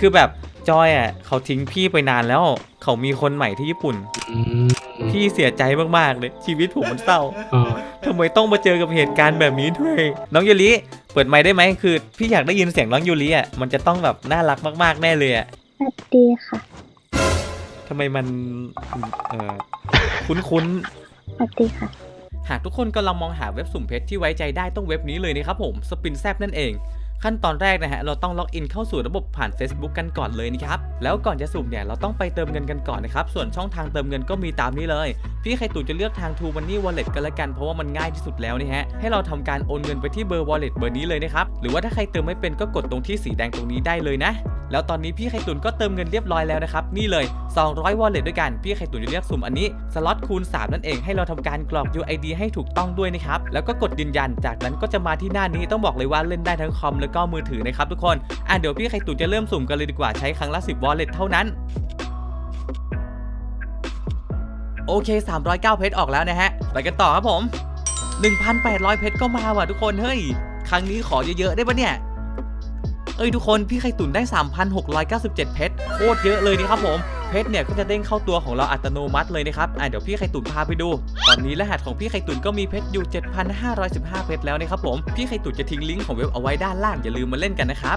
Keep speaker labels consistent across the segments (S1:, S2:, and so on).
S1: คือแบบจอยอ่ะเขาทิ้งพี่ไปนานแล้วเขามีคนใหม่ที่ญี่ปุ่นพี่เสียใจมากๆเลยชีวิตผมมันเศร้าทำไมต้องมาเจอกับเหตุการณ์แบบนี้ด้วยน้องยูริเปิดไมค์ได้ไหมคือพี่อยากได้ยินเสียงน้องยูริอ่ะมันจะต้องแบบน่ารักมากๆแน่เลยอ่ะ
S2: สวัสดีค่ะ
S1: ทำไมมันคุ้น
S2: สวัสดีค่ะ
S1: หากทุกคนกำลังมองหาเว็บสุ่มเพชรที่ไว้ใจได้ต้องเว็บนี้เลยนะครับผมสปินแซบนั่นเองขั้นตอนแรกนะฮะเราต้องล็อกอินเข้าสู่ระบบผ่าน Facebook กันก่อนเลยนะครับแล้วก่อนจะสุ่มเนี่ยเราต้องไปเติมเงินกันก่อนนะครับส่วนช่องทางเติมเงินก็มีตามนี้เลยพี่ไข่ตุ๋นจะเลือกทาง True Money Wallet กันละกันเพราะว่ามันง่ายที่สุดแล้วนะฮะให้เราทำการโอนเงินไปที่เบอร์ Wallet เบอร์นี้เลยนะครับหรือว่าถ้าใครเติมไม่เป็นก็กดตรงที่สีแดงตรงนี้ได้เลยนะแล้วตอนนี้พี่ไข่ตุ๋นก็เติมเงินเรียบร้อยแล้วนะครับนี่เลย200 Wallet ด้วยกันพี่ไข่ตุ๋นจะเลือกสุ่มอันนี้สล็อตคูณ3นั่นเองให้เราทำการกรอก UID ให้ถูกต้องด้วยนะครับแล้วก็กดยืนยันจากนั้นก็จะมาที่หน้านี้ต้องบอกเลยว่าเล่นได้ทั้งคอมแล้วก็มือถือนะครับทุกคนเดี๋ยวพี่ไข่ตุ๋นจะเริ่มสุ่มกันเลยดีกว่าใช้ครั้งละ10 Wallet เท่านั้นโอเค309เพชรออกแล้วนะฮะไปกันต่อครับผม 1,800 เพชรก็มาว่ะทุกคนเฮ้ยครั้งนี้ขอเยอะๆได้ปะเนี่ยทุกคนพี่ไข่ตุ๋นได้ 3,697 เพชรโคตรเยอะเลยนี่ครับผมเพชรเนี่ยก็จะเด้งเข้าตัวของเราอัตโนมัติเลยนะครับเดี๋ยวพี่ไข่ตุ๋นพาไปดูตอนนี้รหัสของพี่ไข่ตุ๋นก็มีเพชรอยู่ 7,515 เพชรแล้วนะครับผมพี่ไข่ตุ๋นจะทิ้งลิงก์ของเว็บเอาไว้ด้านล่างอย่าลืมมาเล่นกันนะครับ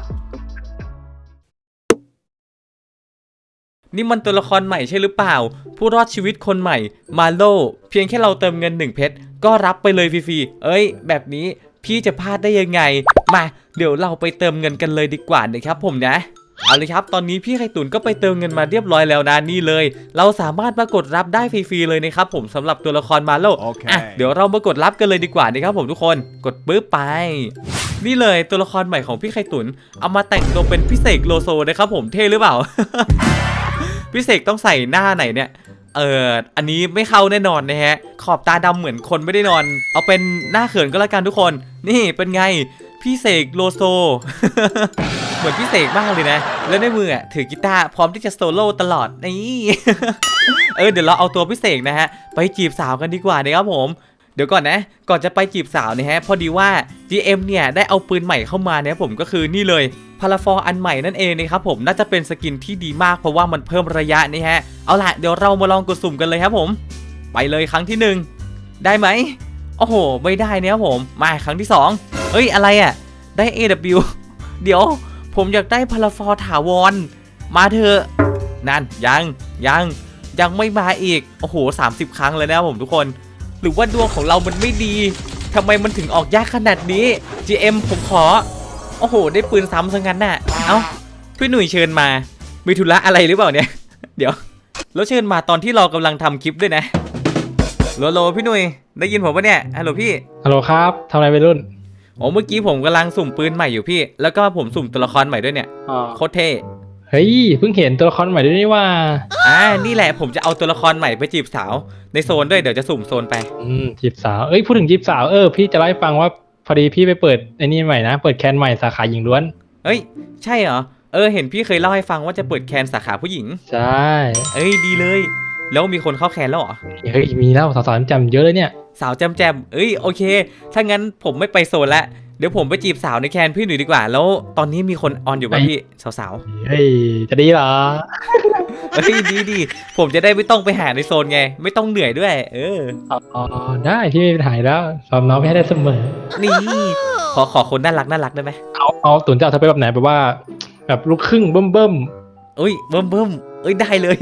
S1: นี่มันตัวละครใหม่ใช่หรือเปล่าผู้รอดชีวิตคนใหม่มาโลเพียงแค่เราเติมเงิน1เพชรก็รับไปเลยฟรีๆแบบนี้พี่จะพลาดได้ยังไงมาเดี๋ยวเราไปเติมเงินกันเลยดีกว่านะครับผมนะเอาเลยครับตอนนี้พี่ไข่ตุ๋นก็ไปเติมเงินมาเรียบร้อยแล้วนะนี่เลยเราสามารถมากดรับได้ฟรีๆเลยนะครับผมสำหรับตัวละครมาโลเดี๋ยวเรามากดรับกันเลยดีกว่านะครับผมทุกคนกดปึ๊บไปนี่เลยตัวละครใหม่ของพี่ไข่ตุ๋นเอามาแต่งตัวเป็นพี่เสกโลโซนะครับผมเท่หรือเปล่า พี่เสกต้องใส่หน้าไหนเนี่ยอันนี้ไม่เข้าแน่นอนนะฮะขอบตาดำเหมือนคนไม่ได้นอนเอาเป็นหน้าเขินก็แล้วกันทุกคนนี่เป็นไงพี่เสกโลโซ เหมือนพี่เสกมากเลยนะแล้วในมือถือกีตาร์พร้อมที่จะโซโล่ตลอดนี่ เดี๋ยวเราเอาตัวพี่เสกนะฮะไปจีบสาวกันดีกว่านะครับผมเดี๋ยวก่อนนะก่อนจะไปจีบสาวนะฮะพอดีว่า GM เนี่ยได้เอาปืนใหม่เข้ามาเนี่ยผมก็คือนี่เลยพาราฟอร์อันใหม่นั่นเองนะครับผมน่าจะเป็นสกินที่ดีมากเพราะว่ามันเพิ่มระยะนี่ฮะเอาล่ะเดี๋ยวเรามาลองกดสุ่มกันเลยครับผมไปเลยครั้งที่1ได้ไหมโอ้โหไม่ได้เนี่ยผมมาครั้งที่2อะไรอ่ะได้ AW เดี๋ยวผมอยากได้พาราฟอร์ถาวรมาเถอะนั่นยังไม่มาอีกโอ้โห30 ครั้งเลยนะผมทุกคนหรือว่าดวงของเรามันไม่ดีทำไมมันถึงออกยากขนาดนี้ GM ผมขอโอ้โหได้ปืนซ้ำซะงั้นน่ะเอ้าพี่หนุ่ยเชิญมามีธุระอะไรหรือเปล่าเนี่ย เดี๋ยวแล้วเชิญมาตอนที่เรากำลังทำคลิปด้วยนะโลพี่หนุ่ยได้ยินผมปะเนี่ยฮัลโหลพี่
S3: ฮัลโหลครับทำอะไรไปรุ่น
S1: เมื่อกี้ผมกำลังสุ่มปืนใหม่อยู่พี่แล้วก็ผมสุ่มตัวละครใหม่ด้วยเนี่ยโคตรเท่
S3: เฮ้ยเพิ่งเห็นตัวละครใหม่ด้วยนี่ว่า
S1: นี่แหละผมจะเอาตัวละครใหม่ไปจีบสาวในโซนด้วยเดี๋ยวจะสุ่มโซนไป
S3: จีบสาวพูดถึงจีบสาวพี่จะเล่าให้ฟังว่าพอดีพี่ไปเปิดไอ้นี่ใหม่นะเปิดแคนใหม่สาขาหญิงล้วน
S1: ใช่เหรอเห็นพี่เคยเล่าให้ฟังว่าจะเปิดแคนสาขาผู้หญิง
S3: ใช่
S1: ดีเลยแล้วมีคนเข้าแคนแล้วเหรอ
S3: มีแล้วสาวๆจำเยอะเลยเนี่ย
S1: สาวแจมโอเคถ้างั้นผมไม่ไปโซนละเดี๋ยวผมไปจีบสาวในแคนพี่หนุ่ยดีกว่าแล้วตอนนี้มีคนออนอยู่ป่ะพี่สาว
S3: จะดีเหรอ
S1: ดีผมจะได้ไม่ต้องไปหาในโซนไงไม่ต้องเหนื่อยด้วย
S3: ได้ที่ไม่ถ่ายแล้วสอนน้องไม่ให้ได้เสมอ
S1: นี่ขอคนน่ารักได้ไหม
S3: เอาตุนจะเอาเธอไปแบบไหนแบบว่าแบบลูกครึ่งเบิ่มเบิ่ม
S1: ได้เลย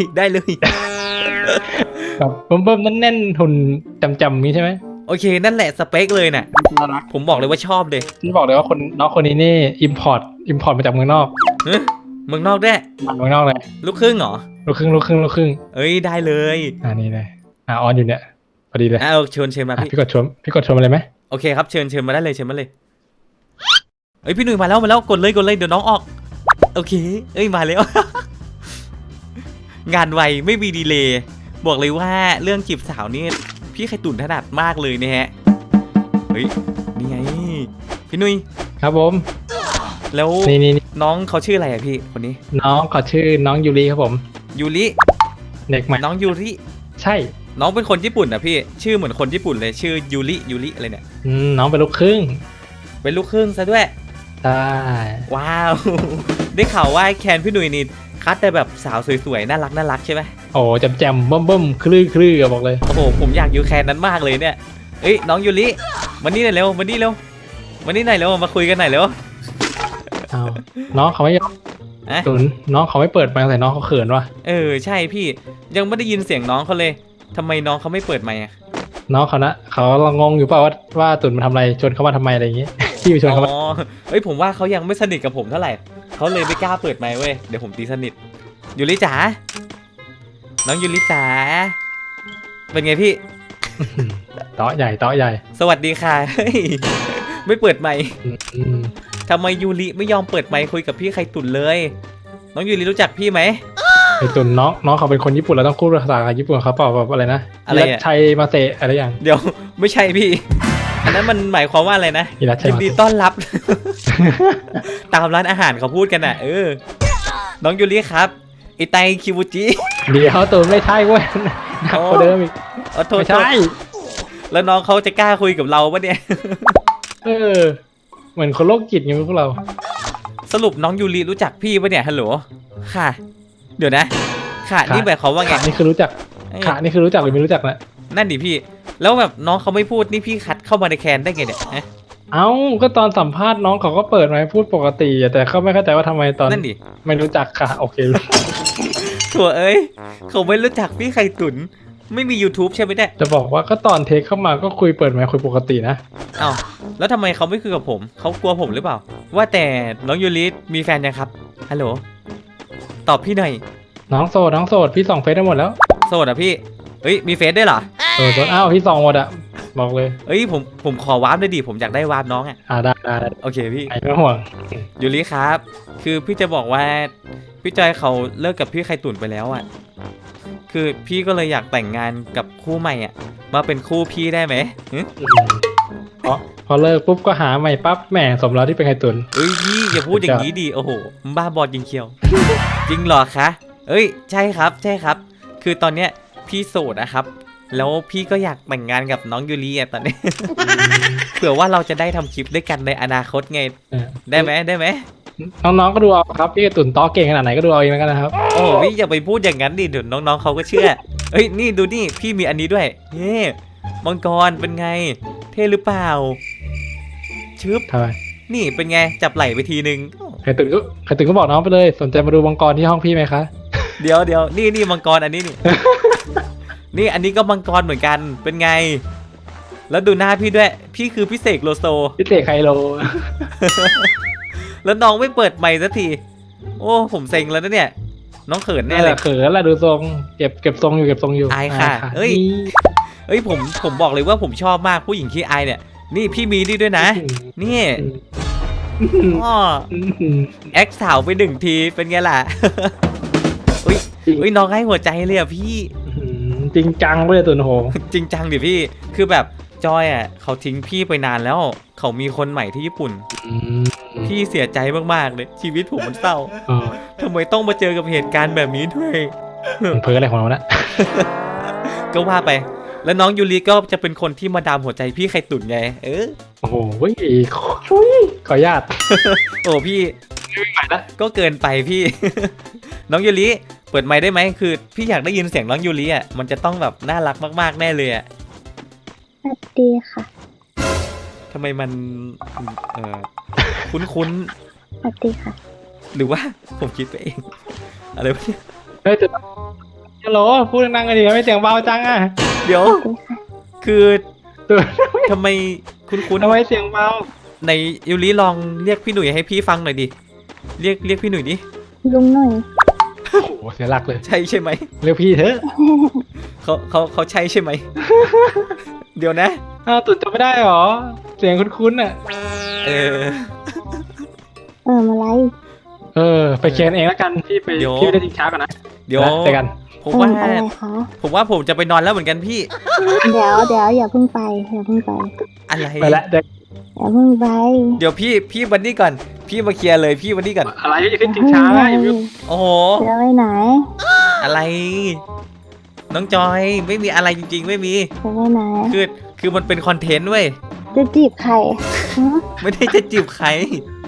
S3: แบบเบิ่มแน่นหุ่นจำนี้ใช่ไหม
S1: โอเคนั่นแหละสเปคเลยน่ะผมบอกเลยว่าชอบเลย
S3: ที่บอกเลยว่าน้องคนนี้นี่อิมพอร์ตมาจากเมืองนอก
S1: เมืองนอกด้วย
S3: เมืองนอกเลย
S1: ลูกครึ่งเหรอ
S3: ลูกครึ่ง
S1: ได้เลย
S3: นี่เลยออนอยู่เนี่ยพอดีเลย
S1: เชิญมา
S3: พี่กดชมอะไรไหม
S1: โอเคครับเชิญมาได้เลยพี่หนุ่ยมาแล้วกดเลยเดี๋ยวน้องออกโอเคมาแล้ว งานไวไม่มีดีเลย์บอกเลยว่าเรื่องจีบสาวนี่พี่ไข่ตุ๋นถนัดมากเลยนะฮะนี่ไงพี่นุ้ย
S3: ครับผม
S1: แล้ว
S3: นี่
S1: น้องเขาชื่ออะไรอะพี่คนนี้
S3: น้องเขาชื่อน้องยูริครับผม
S1: ยูริ
S3: เด็กใหม่
S1: น้องยูริ
S3: ใช่
S1: น้องเป็นคนญี่ปุ่นอะพี่ชื่อเหมือนคนญี่ปุ่นเลยชื่อยูริอะไรเนี่ย
S3: น้องเป็นลูกครึ่ง
S1: ซะด้วย
S3: ใช่
S1: ว้าวได้ข่าวว่าแคนพี่หนุ่ยนี่คัดแต่แบบสาวสวยๆน่ารักใช่ไหม
S3: โอ้แจมๆเบิ่มๆคลื่นๆบอกเลย
S1: โอ้โหผมอยากอยู่แคนนั้นมากเลยเนี่ยเอ้ยน้องยูริมานี่หน่อยเร็วมานี่เร็วมานี่หน่อยเร็วมาคุยกันหน่อยเร็ว
S3: อ้าวน้องเขาไม่
S1: อะ
S3: ตุนน้องเขาไม่เปิดไมค์ใส่น้องเขาเขินวะ
S1: ใช่พี่ยังไม่ได้ยินเสียงน้องเขาเลยทำไมน้องเขาไม่เปิดไมค์อะ
S3: น้องเขานะเขากำลังงงอยู่เปล่าว่าตุนมาทำอะไรชวนเขามาทำไมอะไรอย่างงี้ พี่ไปชวนเขามา
S1: อ๋อเอ้ยผมว่าเขายังไม่สนิทกับผมเท่าไหร่เขาเลยไม่กล้าเปิดไมค์เว้ยเดี๋ยวผมตีสนิทยูริจ๋าน้องยูริจ๋าเป็นไงพี่
S3: เตาะใหญ่
S1: สวัสดีค่ะ เฮ้ยไม่เปิดไมค์
S3: อืม
S1: ทำไมยูริไม่ยอมเปิดไมค์คุยกับพี่ไข่ตุ่นเลย น้องยูริรู้จักพี่ไหม
S3: ไอ้ตุนน้องเขาเป็นคนญี่ปุ่นเราต้องพูดภาษาญี่ปุ่นเขาเปล่าแบบอะไรนะ
S1: อะไรอะ
S3: ฮิรัชชัยมาเตะอะไรอย่าง
S1: เดี๋ยว ไม่ใช่พี่ อันนั้นมันหมายความว่าอะไรนะ
S3: ฮิรัชชัย
S1: ยิน
S3: มา
S1: ดี
S3: เตะ
S1: ต้อนรับ ตามร้านอาหารเขาพูดกันน่ะน้องยูริครับไอไตคิวจิ
S3: เดี๋ยวตุนไม่ใช่เว้ยหนักกว่าเดิมอีก
S1: โทษ
S3: ไม่ใช่
S1: แล้วน้องเขาจะกล้าคุยกับเราปะเนี่ย
S3: เออเหมือนคนโรคจิตอย่างพวกเรา
S1: สรุปน้องยูริรู้จักพี่ปะเนี่ยฮัลโหลค่ะ เดี๋ยวนะค่ะนี่หมายความว่าไง
S3: ขานี่คือรู้จัก
S1: เอ้ย
S3: ขานี่คือรู้จักหรือไม่รู้จักนะ
S1: นั่นดิพี่ แล้วแบบน้องเขาไม่พูดนี่พี่คัดเข้ามาในแคนได้ไงเนี่ยฮะ
S3: เอ้าก็ตอนสัมภาษณ์น้องเขาก็เปิดไมค์พูดปกติอะแต่เขาไม่เข้าใจว่าทำไมตอน
S1: นั่นดิ
S3: ไม่รู้จักค่ะโอเค
S1: ถั่วเอ้ยเขาไม่รู้จักพี่ไข่ตุ๋นไม่มี YouTube ใช่ไหมเนี่ย
S3: จะบอกว่าก็ตอนเทคเข้ามาก็คุยเปิดไมค์คุยปกตินะ
S1: อ้าวแล้วทำไมเขาไม่คุยกับผมเขากลัวผมหรือเปล่า ว่าแต่น้องยูริมีแฟนยังครับฮัลโหลตอบพี่หน่อย
S3: น้องโสดพี่ส่องเฟซได้หมดแล้ว
S1: โสดอ่ะพี่เอ้ยมีเฟซด้วยเหรอ
S3: โสดอ้าวพี่ส่องหมดอะบอกเลย
S1: เอ้ยผมขอวาร์ปด้วยดิผมอยากได้วาร์ปน้องอ่ะ
S3: ได้
S1: โอเคพี่
S3: ไอ้ไม่ห่วง
S1: ยูริครับ คือพี่จะบอกว่าพี่จอยเขาเลิกกับพี่ไข่ตุ๋นไปแล้วอ่ะคือพี่ก็เลยอยากแต่งงานกับคู่ใหม่อ่ะมาเป็นคู่พี่ได้ไหมหึ
S3: พอเลิกปุ๊บก็หาใหม่ปั๊บแหมสมแล้วที่เป็นไข่ตุน
S1: เอ้ยพี่อย่าพูดอย่างนี้ดิโอ้โหบ้าบอจริงเชียว จริงเหรอคะเอ้ยใช่ครับใช่ครับ คือตอนเนี้ยพี่โสดนะครับ แล้วพี่ก็อยากแต่งงานกับน้องยูริอ่ะตอนนี้ เผื่อว่าเราจะได้ทำคลิปด้วยกันในอนาคตไงได้ไหม
S3: น้องๆก็ดูเอาครับพี่ไข่ตุนต้อเก่งขนาดไหนก็ดูเอาเองแล้วกันนะครับ
S1: โอ้พี่อย่าไปพูดอย่างนั้นดิเดี๋ยวน้องๆเขาก็เชื่อเอ้ยนี่ดูนี่พี่มีอันนี้ด้วยนี่มังกรเป็นไง เท่หรือเปล่าชึบ
S3: ทำไม
S1: นี่เป็นไงจับไหล่ไปทีนึง
S3: ไข่ตุนก็บอกน้องไปเลยสนใจมาดูมังกรที่ห้องพี่ไหมคะ
S1: เดี๋ยวนี่มังกรอันนี้นี่ นี่อันนี้ก็มังกรเหมือนกันเป็นไง แล้วดูหน้าพี่ด้วย พี่คือพี่เสกโลโซ
S3: พี่เตะไคโล
S1: แล้วน้องไม่เปิดไมค์สักที โอ้ผมเซ็งแล้วนะเนี่ย น้องเขินแน่
S3: นี่แห
S1: เล
S3: ละ
S1: ย
S3: เขินละดูทรงเก็บทรงอยู่
S1: อายค่ะเอ้ย เอ้ยผมบอกเลยว่าผมชอบมากผู้หญิงขี้อายเนี่ย นี่พี่มีนี่ด้วยนะ นี่อ้อแอคสาวไป1 ทีเป็นไงล่ะ อุ้ยน้องให้หัวใจเลยอ่ะพี่
S3: จริงจังเลยตุนโห
S1: จริงจังดิพี่ คือแบบจอยอ่ะเขาทิ้งพี่ไปนานแล้ว เขามีคนใหม่ที่ญี่ปุ่น พี่เสียใจมากๆเลยชีวิตผมมันเศร้าทำไมต้องมาเจอกับเหตุการณ์แบบนี้ด้วย
S3: เพ้ออะไรของเรานะ
S1: ก็ว่าไป แล้วน้องยูริก็จะเป็นคนที่มาดามหัวใจพี่ไข่ตุ๋นไง
S3: โอ้โหขออนุญาต
S1: โอ้พี่
S3: ไม่ไหวละ
S1: ก็เกินไปพี่ น้องยูริเปิดไมค์ได้ไหมคือพี่อยากได้ยินเสียงน้องยูริอ่ะมันจะต้องแบบน่ารักมากๆแน่เลยอ่ะ
S2: สวัสดีค่ะ
S1: ทำไมมันคุ้น
S2: สวัสดีค่ะ
S1: ๆหรือว่าผมคิดไปเอง อะไรวะเนี่ย
S3: เฮ้ยตุนฮัลโหลพูดดังๆกันดิไม่เสียงเบาจังอ่ะ
S1: เดี๋ยว
S2: สวัสดีค่ะ
S1: คือ
S3: ตุน
S1: ทำไมคุ้น
S3: ทำไมเสียงเบา
S1: ๆในยูริลองเรียกพี่หนุ่ยให้พี่ฟังหน่อยดิเรียกพี่หนุ่ยดิ
S2: ลุงหน่อย
S3: โอ้โหเสียหลักเลย
S1: ใช่ไหม
S3: เรียกพี่เถอะ
S1: เขาใช่ใช่ไหม เดี๋ยวนะ
S3: อ้าวตุนจำไม่ได้หรอ เสียงคุ้นๆอ่ะ
S1: เออ
S2: มาไลฟ์
S3: ไปเขียนเองแล้วกันพี่ไป
S1: เดี๋ยว
S3: พี่ไปได้ทิ้งช้าก่อนนะ
S1: เดี๋ยว
S3: เจอกัน
S1: ผมว่า
S2: อะไรคะ
S1: ผมว่าผมจะไปนอนแล้วเหมือนกันพี่
S2: เดี๋ยวอย่าเพิ่งไปอย่าเพิ่งไป
S1: อะไร
S3: ไปละเด็ก
S2: อย่าเพิ่งไป
S1: เดี๋ยวพี่วันนี้ก่อน พี่มาเคลียร์เลยพี่วันนี้ก่อน
S3: อะไรจะขึ้นทิ้งช้าอย่าไป
S1: โอ้โห
S2: จะไปไหน
S1: อะไร น้องจอยไม่มีอะไรจริงๆ ไม่มี
S2: จะไปไหน
S1: คือมันเป็นคอนเทนต์เว้ย
S2: จะจีบใครฮะ
S1: ไม่ได้จะจีบใคร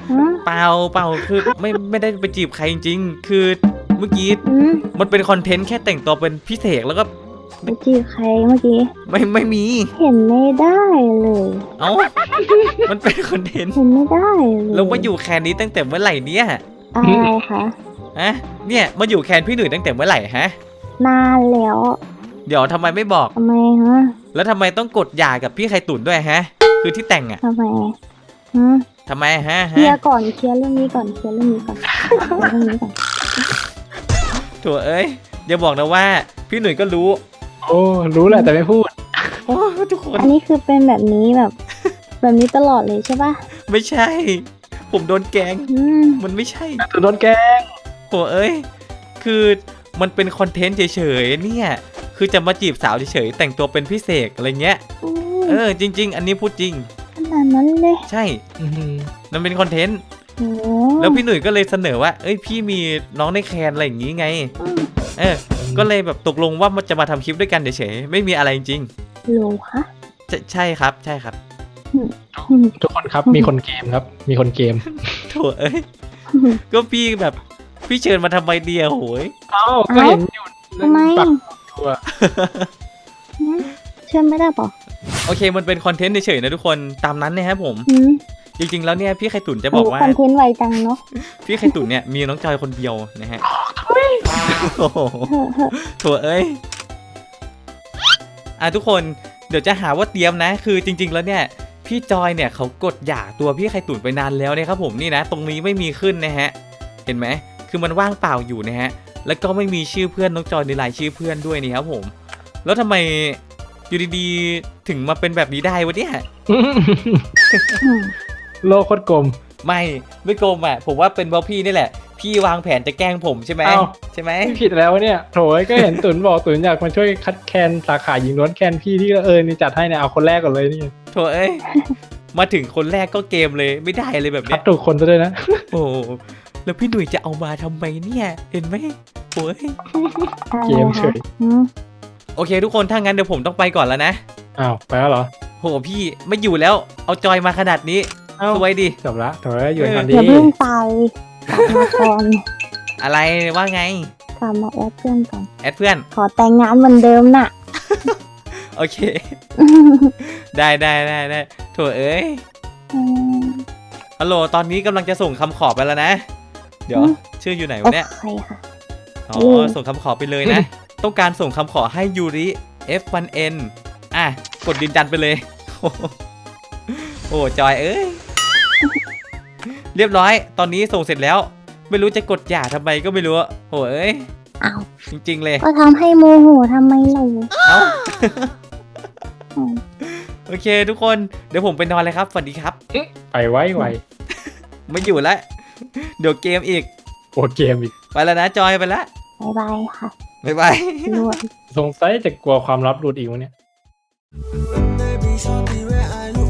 S2: ฮะ
S1: เปล่าคือไม่ได้ไปจีบใครจริงๆคือเมื่อกี้
S2: อืม
S1: มันเป็นคอนเทนต์แค่แต่งตัวเป็นพี่เสกแล้วก็
S2: ไปจีบใครเมื่อกี้
S1: ไม่มี
S2: เห็นไม่ได้เลย
S1: เอ้ามันเป็นคอนเทนต์
S2: เห็นไม่ได้เลย
S1: แล้วมาอยู่แคนนี้ตั้งแต่เมื่อไหร่เนี่ย
S2: อะไรคะ
S1: ฮะเนี่ยมาอยู่แคนพี่หนุ่ยตั้งแต่เมื่อไหร่ฮะ
S2: นานแล้ว
S1: เดี๋ยวทำไมไม่บอก
S2: ทำไมฮะ
S1: แล้วทำไมต้องกดหย่ากับพี่ไข่ตุ๋นด้วยฮะ คือที่แต่งอ่ะ
S2: ทำไมฮะ
S1: ทำไมฮะ
S2: เคลียร์ก่อนเคลียร์เรื่องนี้ก่อนเคลียร์เรื่องนี้ก่อนเคลียร์เรื่องนี้ก่อน
S1: ถั่วเอ้ยอย่าบอกนะว่าพี่หนุ่ยก็รู้
S3: โอ้รู้แหละแต่ไม่พูด
S1: โอ้ทุกคน
S2: อันนี้คือเป็นแบบนี้แบบ แบบนี้ตลอดเลยใช่ปะ
S1: ไม่ใช่ ผมโดนแกล้ง
S2: อืม
S1: มันไม่ใช่
S3: ตัวโดนแกล้ง
S1: โถ่เอ้ยคือมันเป็นคอนเทนต์เฉยๆเนี่ยคือจะมาจีบสาวเฉยๆแต่งตัวเป็นพี่เสกอะไรเงี้ย จริง ๆ อันนี้พูดจริง
S2: ขนาดนั้นเลย
S1: ใช่
S3: อื้อหือ
S1: มันเป็นคอนเทนต์
S2: โอ้
S1: แล้วพี่หนุ่ยก็เลยเสนอว่าเอ้ยพี่มีน้องในแคนอะไรอย่างงี้ไง ก็เลยแบบตกลงว่ามันจะมาทำคลิปด้วยกันเฉยๆไม่มีอะไรจริง
S2: โหลคะ
S1: ๆใช่ครับใช่ครับ
S3: ทุกคนครับมีคนเกมครับ มีคนเกม
S1: โถ่เอ้ยก็พี่แบบพี่เชิญมาทำไมเดียวโหย
S3: เอ้าก็เห็นอยู่
S2: ทำไม
S3: ปักตัว
S2: หืมเชื่อไม่ได้ปะ
S1: โอเคมันเป็นคอนเทนต์เฉยๆนะทุกคนตามนั้นนะครับผม
S2: หืม
S1: จริงๆแล้วเนี่ยพี่ไข่ตุ๋นจะบอกว่า
S2: คอนเทนต์ไวจังเนาะ
S1: พี่ไข่ตุ๋นเนี่ยมีน้องจอยคนเดียวนะฮะโอ้โห
S2: เฮ้อเฮ้อ
S1: โถเอ้ยทุกคนเดี๋ยวจะหาว่าเตรียมนะ คือจริง ๆ แล้วเนี่ยพี่จอยเนี่ยเขากดหย่าตัวพี่ไข่ตุ๋นไปนานแล้วนะครับผมนี่นะ ตรงนี้ไม่มีขึ้นนะฮะเห็นไหมคือมันว่างเปล่าอยู่นะฮะแล้วก็ไม่มีชื่อเพื่อนน้องจอยในรายชื่อเพื่อนด้วยนี่ครับผมแล้วทำไมอยู่ดีๆถึงมาเป็นแบบนี้ได้วะเนี่ย
S2: อืม
S3: โลกโคตรกลม
S1: ไม่โกงอ่ะผมว่าเป็นเพราะพี่นี่แหละ พี่วางแผนจะแกล้งผมใช่ไหม
S3: เอ้า
S1: ใช่ไหม
S3: ไม่ผิดแล้วเนี่ยโถยก็เห็นตุนบอกตุนอยากมาช่วยคัดแคนสาขาหญิงล้วนแคนพี่ที่นี่จัดให้เนี่ยเอาคนแรกก่อนเลยนี่
S1: โถเอ้ย มาถึงคนแรกก็เกมเลยไม่ได้เลยแบบ
S3: คั
S1: เนี้
S3: ด
S1: ย
S3: ถูกคนซะด้วยนะ
S1: โอ้แล้วพี่หนุ่ยจะเอามาทำไมเนี่ยเห็นไหมโอ้ย
S2: อะไร
S3: เกมเฉ
S2: คะ
S3: ย
S2: หืม
S1: โอเคทุกคนถ้างั้นเดี๋ยวผมต้องไปก่อนแล้วนะ
S3: อ้าวไปแล้วเหรอ
S1: โหพี่ไม่อยู่แล้วเอาจอยมาขนาดนี้
S3: เอ้า
S1: สวยดิ
S3: จบละโถยอยู่กันดี
S2: อย่าเพิ่งไปกลับมาก่อน
S1: อะไรว่าไง
S2: กลับมาแอดเพื่อนก่อน
S1: แอดเพื่อน
S2: ขอแต่งงานเหมือนเดิมน่ะ
S1: โอเค ได้โถเอ้ย
S2: อืม
S1: ฮัลโหลตอนนี้กำลังจะส่งคำขอไปแล้วนะ เดี๋ยว
S2: อืม
S1: ชื่ออยู่ไหน
S2: โอ
S1: วะเนี่ย
S2: เคค่ะ
S1: อ๋อ
S2: อืม
S1: ส่งคำขอไปเลยนะ ต้องการส่งคำขอให้ยูริ F1N กดยืนยันไปเลย โอ้จอยเอ้ย เรียบร้อย ตอนนี้ส่งเสร็จแล้ว ไม่รู้จะกดหย่าทำไมก็ไม่รู้โหเอ้ย
S2: อ้าว
S1: จริง ๆ เลย
S2: ก็ทำให้โมโหทำไมเรา
S1: เอ้า
S2: อืม
S1: โอเคทุกคน เดี๋ยวผมไปนอนเลยครับ สวัสดีครับ
S3: ไปไว้
S1: ไม่อยู่แล้ว เดี๋ยวเกมอีก
S3: โอเกมอีก
S1: ไปแล้วนะจอยไปแล้ว
S2: บ๊ายบายค่ะ
S1: บ๊ายบาย
S2: รวย
S3: สงสัยจะกลัวความลับหลุดอีกวะเนี่ย
S4: Baby, shawty, where are you?